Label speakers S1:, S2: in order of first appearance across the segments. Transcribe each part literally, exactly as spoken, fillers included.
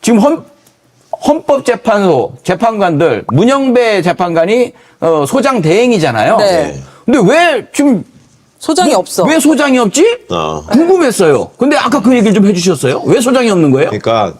S1: 지금 헌, 헌법재판소 재판관들 문영배 재판관이 어, 소장 대행이잖아요.
S2: 네.
S1: 근데 왜 지금
S2: 소장이
S1: 왜,
S2: 없어.
S1: 왜 소장이 없지?
S3: 어.
S1: 궁금했어요. 근데 아까 그 얘기를 좀 해주셨어요. 왜 소장이 없는 거예요?
S3: 그러니까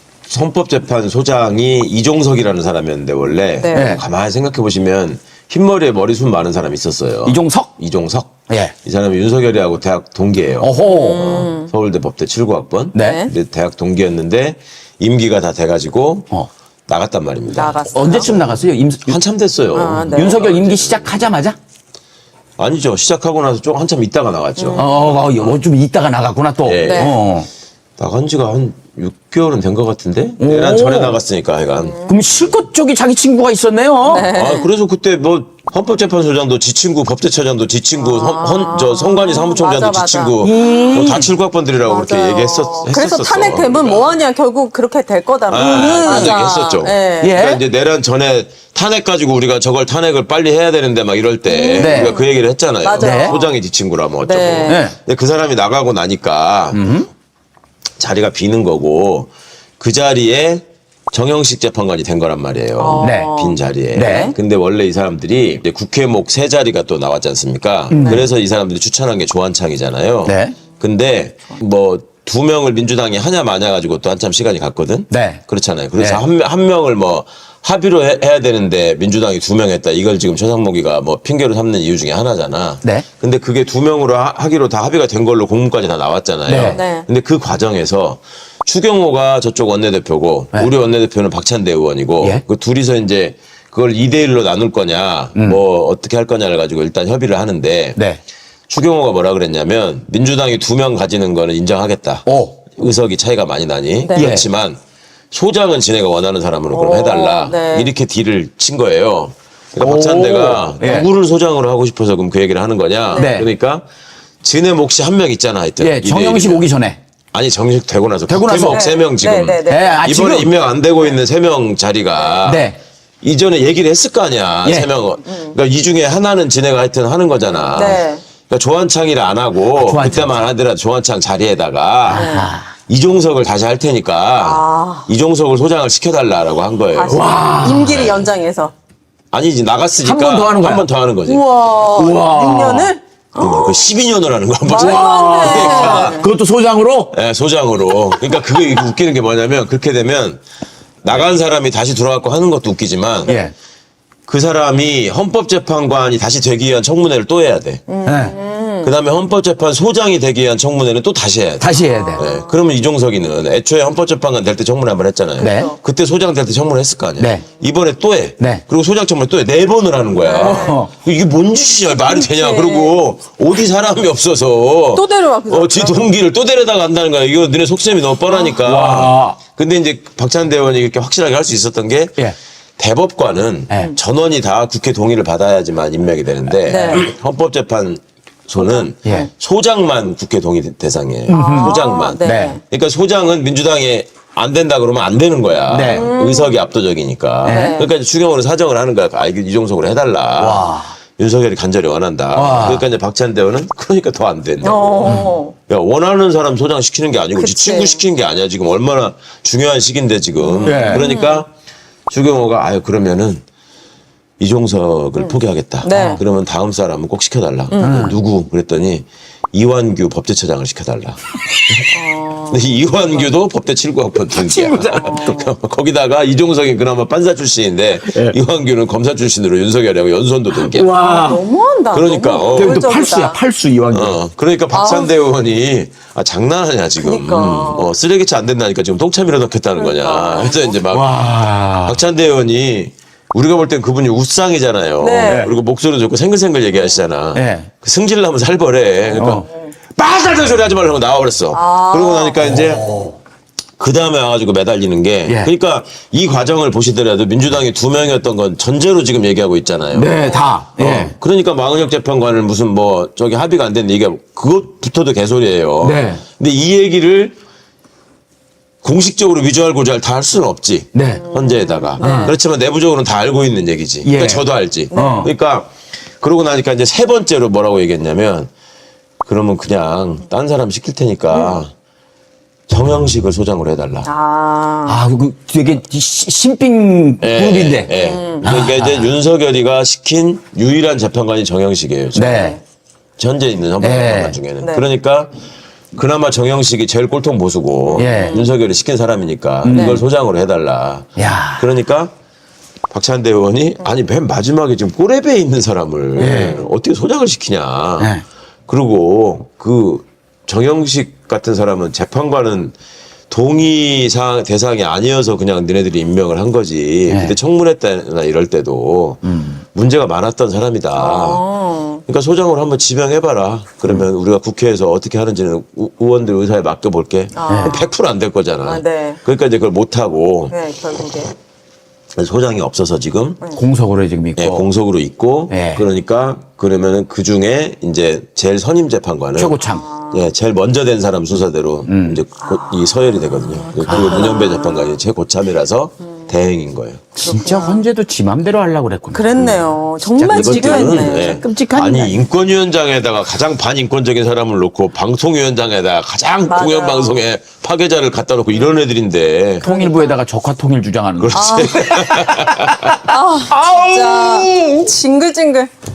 S3: 헌법재판소장이 이종석이라는 사람이었는데 원래
S2: 네.
S3: 가만히 생각해 보시면 흰머리에 머리숱 많은 사람이 있었어요.
S1: 이종석?
S3: 이종석.
S1: 예.
S3: 이 사람이 윤석열이하고 대학 동기예요.
S1: 어호.
S3: 어, 서울대 법대 칠 구 학번.
S1: 네.
S3: 근데 대학 동기였는데 임기가 다 돼가지고
S1: 어.
S3: 나갔단 말입니다.
S2: 나갔어.
S1: 언제쯤 나갔어요? 임,
S3: 한참 됐어요.
S2: 아, 네.
S1: 윤석열 임기 시작하자마자?
S3: 아니죠. 시작하고 나서 좀 한참 있다가 나갔죠.
S2: 음.
S1: 어, 어, 좀 있다가 나갔구나 또.
S3: 네.
S2: 네.
S1: 어.
S3: 나간 지가 한 육 개월은 된 것 같은데? 내란 전에 나갔으니까 하여간.
S1: 그럼 실컷 쪽이 자기 친구가 있었네요.
S3: 아, 그래서 그때 뭐 헌법재판소장도 지 친구, 법제처장도 지 친구, 헌, 헌- 저 성관이 사무총장도
S2: 맞아,
S3: 지
S2: 맞아.
S3: 친구, 뭐 다 칠구 학번들이라고 그렇게
S2: 맞아요.
S3: 얘기했었,
S2: 그래서
S3: 했었었어.
S2: 탄핵되면
S3: 그러니까.
S2: 뭐하냐 결국 그렇게 될 거다.
S3: 아, 그런 얘기 했었죠.
S2: 네.
S1: 예.
S3: 그러니까 이제 내란 전에 탄핵 가지고 우리가 저걸 탄핵을 빨리 해야 되는데 막 이럴 때
S1: 네.
S3: 우리가 그 얘기를 했잖아요.
S2: 맞아요.
S1: 네.
S3: 소장이 지 친구라면 어쩌고.
S2: 네.
S1: 네.
S3: 근데 그 사람이 나가고 나니까 자리가 비는 거고 그 자리에 정영식 재판관이 된 거란 말이에요.
S1: 네.
S3: 빈 자리에.
S1: 네.
S3: 근데 원래 이 사람들이 이제 국회목 세 자리가 또 나왔지 않습니까? 그래서 이 사람들이 추천한 게 조한창이잖아요.
S1: 네.
S3: 근데 뭐 두 명을 민주당이 하냐 마냐 가지고 또 한참 시간이 갔거든.
S1: 네.
S3: 그렇잖아요. 그래서
S1: 네.
S3: 한, 명- 한 명을 뭐 합의로 해, 해야 되는데 민주당이 두 명 했다. 이걸 지금 최상목이가 뭐 핑계로 삼는 이유 중에 하나잖아.
S1: 네.
S3: 근데 그게 두 명으로 하, 하기로 다 합의가 된 걸로 공문까지 다 나왔잖아요.
S1: 네.
S2: 네.
S3: 근데 그 과정에서 추경호가 저쪽 원내대표고
S1: 네.
S3: 우리 원내대표는 박찬대 의원이고
S1: 예.
S3: 그 둘이서 이제 그걸 이 대 일로 나눌 거냐 뭐 어떻게 할 거냐를 가지고 일단 협의를 하는데
S1: 네.
S3: 추경호가 뭐라 그랬냐면 민주당이 두 명 가지는 거는 인정하겠다.
S1: 오.
S3: 의석이 차이가 많이 나니
S2: 네.
S3: 그렇지만 소장은 지네가 원하는 사람으로 그럼
S2: 오,
S3: 해달라
S2: 네.
S3: 이렇게 딜을 친 거예요. 그러니까
S1: 오.
S3: 박찬대가
S1: 예.
S3: 누구를 소장으로 하고 싶어서 그럼 그 얘기를 하는 거냐.
S1: 네.
S3: 그러니까 지네 몫이 한 명 있잖아 하여튼.
S1: 예,
S3: 이 대
S1: 정영식
S3: 일이면.
S1: 오기 전에.
S3: 아니 정식 되고 나서
S1: 되고 나서.
S3: 국회목 세 명 지금
S2: 네, 네, 네.
S1: 예, 아,
S3: 이번에
S1: 지금.
S3: 임명 안 되고 있는 세 명 자리가
S1: 네.
S3: 이전에 얘기를 했을 거 아니야.
S1: 예.
S3: 세 명은. 그러니까 이 중에 하나는 지네가 하여튼 하는 거잖아.
S2: 네.
S3: 그러니까 조한창이를 안 하고
S1: 아, 조한창.
S3: 그때만 하더라도 조한창 자리에다가 이종석을 다시 할 테니까
S2: 아.
S3: 이종석을 소장을 시켜달라고 한 거예요.
S2: 다시 임기를 연장해서.
S3: 아니지 나갔으니까
S1: 한번더 하는 거야.
S3: 한 번 더 하는 거지.
S2: 우와.
S1: 우와.
S2: 육 년을?
S3: 그 십이 년을 하는 거야.
S2: 말도 안 돼.
S1: 그것도 소장으로?
S3: 예, 소장으로. 그러니까 그게 웃기는 게 뭐냐면 그렇게 되면 나간 사람이 다시 들어와서 하는 것도 웃기지만
S1: 예.
S3: 그 사람이 헌법재판관이 다시 되기 위한 청문회를 또 해야 돼.
S1: 네.
S3: 그 다음에 헌법재판 소장이 되기 위한 청문회는 또 다시 해야 돼.
S1: 다시 해야 돼.
S3: 네. 그러면 이종석이는 애초에 헌법재판관 될 때 청문회 한 번 했잖아요.
S1: 네.
S3: 그때 소장 될 때 청문회 했을 거 아니야.
S1: 네.
S3: 이번에 또 해.
S1: 네.
S3: 그리고 소장 청문회 또 해. 네 번을 하는 거야.
S1: 어.
S3: 이게 뭔 짓이냐. 말이 되냐. 그리고 어디 사람이 없어서.
S2: 또 데려와, 그
S3: 어, 지 동기를 또 데려다가 간다는 거야. 이거 너네 속셈이 너무 뻔하니까.
S1: 와.
S3: 근데 이제 박찬대 의원이 이렇게 확실하게 할 수 있었던 게
S1: 예.
S3: 대법관은
S1: 네.
S3: 전원이 다 국회 동의를 받아야지만 임명이 되는데
S2: 네.
S3: 헌법재판소는
S1: 예.
S3: 소장만 국회 동의 대상이에요. 소장만.
S2: 네.
S1: 네.
S3: 그러니까 소장은 민주당에 안 된다 그러면 안 되는 거야.
S1: 네.
S3: 의석이 압도적이니까.
S1: 네.
S3: 그러니까 이제 추경호는 사정을 하는 거야. 아, 이거 이종석으로 해달라.
S1: 와.
S3: 윤석열이 간절히 원한다.
S1: 와.
S3: 그러니까 이제 박찬대 의원은 그러니까 더 안 된다고.
S2: 어.
S3: 야, 원하는 사람 소장 시키는 게 아니고 지
S2: 그치.
S3: 친구 시키는 게 아니야. 지금 얼마나 중요한 시기인데 지금.
S1: 네.
S3: 그러니까 추경호가 아유 그러면은 이종석을 포기하겠다.
S2: 네.
S3: 그러면 다음 사람은 꼭 시켜달라. 누구? 그랬더니 이완규 법제처장을 시켜달라. 근데 이완규도 법대 칠 구 학번 동기야. 거기다가 이종석이 그나마 판사 출신인데 이완규는 검사 출신으로 윤석열하고 연수원도 동기야.
S1: 와.
S2: 너무한다.
S3: 그러니까,
S2: 너무
S3: 어.
S1: 그럼 또
S2: 노골적이다.
S1: 팔수야, 팔수 이완규.
S3: 어, 그러니까 박찬대 의원이 아, 장난하냐 지금.
S2: 그러니까.
S3: 음, 어, 쓰레기차 안 된다니까 지금 똥참이라 넣겠다는 거냐. 그래서 이제 막
S1: 와.
S3: 박찬대 의원이 우리가 볼 땐 그분이 우상이잖아요.
S2: 네.
S3: 그리고 목소리 좋고 생글생글 얘기하시잖아.
S1: 네.
S3: 그 승질나면 살벌해. 그러니까 빠삭한 소리 하지 말라고 나와버렸어. 그러고 나니까 이제 그 다음에 와가지고 매달리는 게
S1: 예.
S3: 그러니까 이 과정을 보시더라도 민주당이 두 명이었던 건 전제로 지금 얘기하고 있잖아요.
S1: 네, 다. 예.
S3: 어, 그러니까 망은혁 재판관을 무슨 뭐 저기 합의가 안 됐는데 이게 그것부터도 개소리예요.
S1: 네.
S3: 근데 이 얘기를 공식적으로 위조할 고지할 다 할 수는 없지.
S1: 네.
S3: 헌재에다가. 그렇지만 내부적으로는 다 알고 있는 얘기지.
S1: 예.
S3: 그러니까 저도 알지.
S1: 어.
S3: 그러니까 그러고 나니까 이제 세 번째로 뭐라고 얘기했냐면 그러면 그냥 딴 사람 시킬 테니까 정영식을 소장으로 해달라.
S2: 아.
S1: 아, 그 되게 시- 신빙
S3: 예,
S1: 그룹인데.
S3: 예.
S2: 음.
S3: 그러니까 이제 윤석열이가 시킨 유일한 재판관이 정영식이에요. 지금.
S1: 네.
S3: 현재 있는 헌법
S1: 네.
S3: 재판관 중에는.
S2: 네.
S3: 그러니까 그나마 정영식이 제일 꼴통 보수고
S1: 예.
S3: 윤석열이 시킨 사람이니까 이걸 소장으로 해달라.
S1: 야.
S3: 그러니까 박찬대 의원이 아니 맨 마지막에 지금 꼬레베에 있는 사람을 어떻게 소장을 시키냐.
S1: 네.
S3: 그리고 그 정영식 같은 사람은 재판관은 동의 사 대상이 아니어서 그냥 너네들이 임명을 한 거지.
S1: 네.
S3: 그때 청문회 때나 이럴 때도 문제가 많았던 사람이다.
S2: 어.
S3: 그러니까 소장으로 한번 지명해봐라. 그러면 우리가 국회에서 어떻게 하는지는 우- 의원들 의사에 맡겨볼게.
S2: 아.
S3: 백 퍼센트 안 될 거잖아.
S2: 아, 네.
S3: 그러니까 이제 그걸 못하고
S2: 네, 결국에.
S3: 소장이 없어서 지금
S1: 공석으로 지금 있고.
S3: 예, 공석으로 있고
S1: 네.
S3: 그러니까 그러면은 그 중에 이제 제일 선임 재판관은
S1: 최고참.
S3: 예, 제일 먼저 된 사람 순서대로 이제 곧 이 서열이 되거든요. 그리고 문현배 재판관이 최고참이라서 대행인 거예요.
S1: 진짜 헌재도 지 맘대로 하려고 그랬구나.
S2: 그랬네요. 정말
S3: 이것들은
S2: 지루했네.
S3: 예,
S1: 끔찍한
S3: 아니
S1: 인간이야.
S3: 인권위원장에다가 가장 반인권적인 사람을 놓고 방통위원장에다가 가장
S2: 맞아요.
S3: 공영방송에 파괴자를 갖다 놓고 이런 애들인데
S1: 통일부에다가 적화 통일 주장하는 거.
S3: 그렇지.
S2: 진짜 징글징글.